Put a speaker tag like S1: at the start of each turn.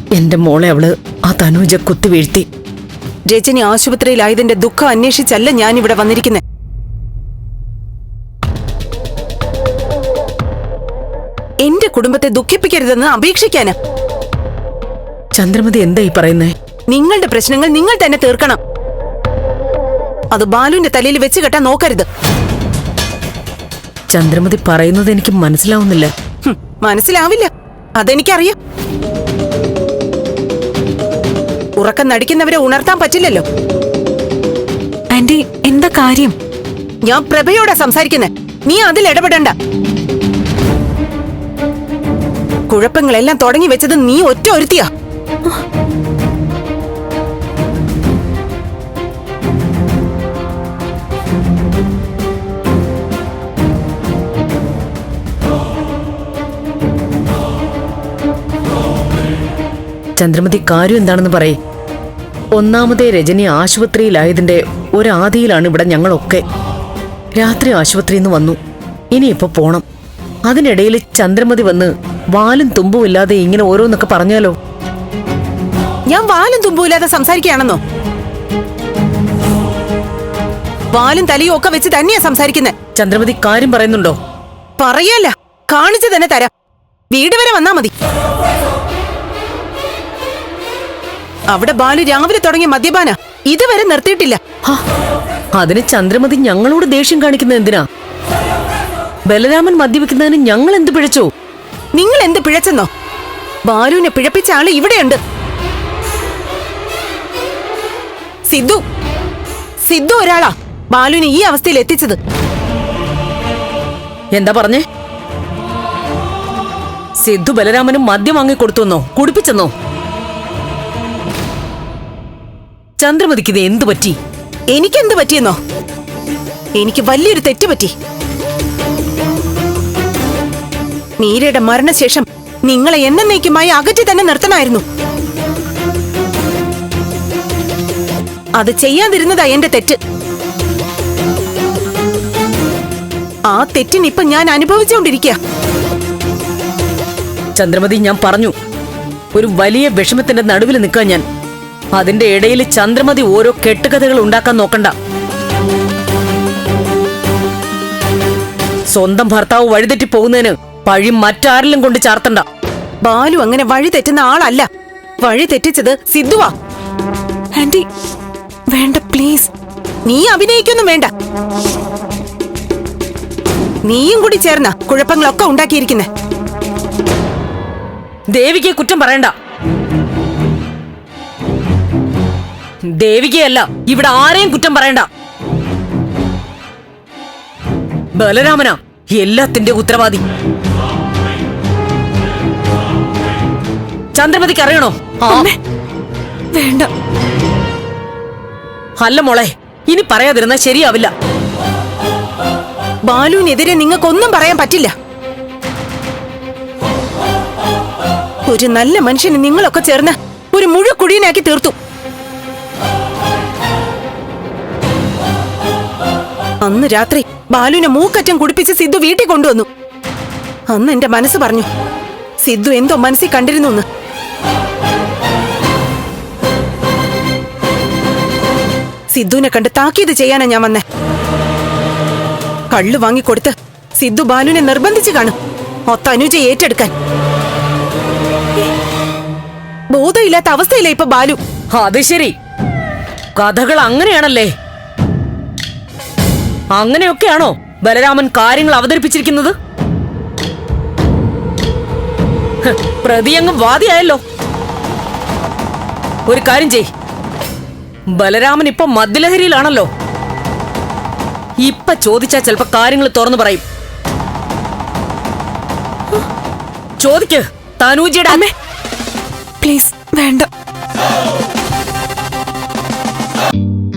S1: എന്റെ മോളെ അവള് ആ തനൂജ കുത്തി വീഴ്ത്തി.
S2: രജനി ആശുപത്രിയിലായതിന്റെ ദുഃഖം അന്വേഷിച്ചല്ല ഞാനിവിടെ വന്നിരിക്കുന്നത്. എന്റെ കുടുംബത്തെ ദുഃഖിപ്പിക്കരുതെന്ന് അപേക്ഷിക്കാന്.
S1: ചന്ദ്രമതി എന്തായി പറയുന്നേ?
S2: നിങ്ങളുടെ പ്രശ്നങ്ങൾ നിങ്ങൾ തന്നെ തീർക്കണം. അത് ബാലുവിന്റെ തലയിൽ വെച്ച് കെട്ടാൻ നോക്കരുത്.
S1: ചന്ദ്രമതി പറയുന്നത് എനിക്ക് മനസ്സിലാവുന്നില്ല.
S2: മനസ്സിലാവില്ല, അതെനിക്കറിയാം. ഉറക്കം നടിക്കുന്നവരെ ഉണർത്താൻ പറ്റില്ലല്ലോ.
S3: ആന്റി, എന്താ കാര്യം?
S2: ഞാൻ പ്രഭയോടാ സംസാരിക്കുന്നെ, നീ അതിൽ ഇടപെടണ്ട. കുഴപ്പങ്ങളെല്ലാം തുടങ്ങി വെച്ചത് നീ ഒറ്റ ഒരുത്തിയാ.
S1: ചന്ദ്രമതി, കാര്യം എന്താണെന്ന് പറയേ. ഒന്നാമതേ രജനി ആശുപത്രിയിലായതിന്റെ ഒരാദിയിലാണ് ഇവിടെ ഞങ്ങളൊക്കെ. രാത്രി ആശുപത്രിയിൽ നിന്ന് വന്നു, ഇനിയിപ്പോ പോണം. അതിനിടയിൽ ചന്ദ്രമതി വന്ന് വാലും തുമ്പുമില്ലാതെ ഇങ്ങനെ ഓരോന്നൊക്കെ പറഞ്ഞാലോ?
S2: ഞാൻ വാലും തുമ്പുമില്ലാതെ സംസാരിക്കുകയാണെന്നോ? വാലും തലയും ഒക്കെ വെച്ച് തന്നെയാ സംസാരിക്കുന്നത്.
S1: ചന്ദ്രമതി കാര്യം പറയുന്നുണ്ടോ?
S2: പറയല്ല, കാണിച്ചു തന്നെ തരാം. വീട് വരെ വന്നാ മതി. അവിടെ ബാലു രാവിലെ തുടങ്ങിയ മദ്യപാന ഇതുവരെ നിർത്തിയിട്ടില്ല.
S1: അതിന് ചന്ദ്രമതി ഞങ്ങളോട് ദേഷ്യം കാണിക്കുന്നത് എന്തിനാ? ബലരാമൻ മദ്യപിക്കുന്നതിന് ഞങ്ങൾ എന്ത് പിഴച്ചു?
S2: നിങ്ങൾ എന്ത് പിഴച്ചെന്നോ? ബാലുവിനെ പിഴപ്പിച്ച ആള് ഇവിടെയുണ്ട്. സിദ്ധു ഒരാളാ ബാലുവിനെ ഈ അവസ്ഥയിൽ എത്തിച്ചത്.
S1: എന്താ പറഞ്ഞേ? സിദ്ധു ബലരാമനും മദ്യം വാങ്ങിക്കൊടുത്തുവെന്നോ? കുടിപ്പിച്ചെന്നോ? ചന്ദ്രമതിക്ക് ഇത് എന്തു പറ്റി?
S2: എനിക്കെന്ത് പറ്റിയെന്നോ? എനിക്ക് വലിയൊരു തെറ്റ് പറ്റി. മീരയുടെ മരണശേഷം നിങ്ങളെ എന്നേക്കുമായി അകറ്റി തന്നെ നിർത്തണമായിരുന്നു. അത് ചെയ്യാതിരുന്നതാ എന്റെ തെറ്റ്. ആ തെറ്റിനിപ്പൊ ഞാൻ അനുഭവിച്ചുകൊണ്ടിരിക്കുക.
S1: ചന്ദ്രമതി, ഞാൻ പറഞ്ഞു, ഒരു വലിയ വിഷമത്തിന്റെ നടുവിൽ നിൽക്കാൻ ഞാൻ. അതിന്റെ ഇടയിൽ ചന്ദ്രമതി ഓരോ കെട്ടുകഥകൾ ഉണ്ടാക്കാൻ നോക്കണ്ട. സ്വന്തം ഭർത്താവ് വഴിതെറ്റി പോകുന്നതിന് പഴി മറ്റാരിലും കൊണ്ട് ചാർത്തണ്ട.
S2: ബാലു അങ്ങനെ വഴി തെറ്റുന്ന ആളല്ല. വഴി തെറ്റിച്ചത് സിദ്ധുവാ.
S3: ആന്റി, വേണ്ട പ്ലീസ്.
S2: നീ അഭിനയിക്കൊന്നും വേണ്ട. നീയും കൂടി ചേർന്ന കുഴപ്പങ്ങളൊക്കെ ഉണ്ടാക്കിയിരിക്കുന്നെ.
S1: ദേവികയെ കുറ്റം പറയണ്ട. ദേവികയല്ല, ഇവിടെ ആരെയും കുറ്റം പറയണ്ട. ബലരാമനാ എല്ലാത്തിന്റെ ഉത്തരവാദി. ചന്ദ്രമതിക്ക് അറിയണോ?
S3: വേണ്ട.
S1: അല്ല മോളെ, ഇനി പറയാതിരുന്നാ ശരിയാവില്ല.
S2: ബാലുവിനെതിരെ നിങ്ങൾക്കൊന്നും പറയാൻ പറ്റില്ല. ഒരു നല്ല മനുഷ്യന് നിങ്ങളൊക്കെ ചേർന്ന് ഒരു മുഴുക്കുഴിയനാക്കി തീർത്തു. അന്ന് രാത്രി ബാലുവിനെ മൂക്കറ്റം കുടിപ്പിച്ച് സിദ്ധു വീട്ടിൽ കൊണ്ടുവന്നു. അന്ന് എന്റെ മനസ്സ് പറഞ്ഞു, സിദ്ധു എന്തോ മനസ്സിൽ കണ്ടിരുന്നു എന്ന്. സിദ്ധുവിനെ കണ്ട് താക്കീത് ചെയ്യാനാ ഞാൻ വന്നേ. കള്ളു വാങ്ങിക്കൊടുത്ത് സിദ്ധു ബാലുവിനെ നിർബന്ധിച്ച് കാണും തനുജയെ ഏറ്റെടുക്കാൻ. ബോധമില്ലാത്ത അവസ്ഥയില്ല ഇപ്പൊ ബാലു.
S1: അത് ശരി, കഥകൾ അങ്ങനെയാണല്ലേ? അങ്ങനെയൊക്കെയാണോ ബലരാമൻ കാര്യങ്ങൾ അവതരിപ്പിച്ചിരിക്കുന്നത്? പ്രതിയങ്ങ് വാദിയായല്ലോ. ഒരു കാര്യം ചെയ്, ബലരാമൻ ഇപ്പൊ മദ്യലഹരിയിലാണല്ലോ. ഇപ്പൊ ചോദിച്ചാ ചിലപ്പോ കാര്യങ്ങൾ തുറന്നു പറയും. ചോദിക്ക് തനൂജിയുടെ അമ്മേ.
S3: പ്ലീസ് വേണ്ട.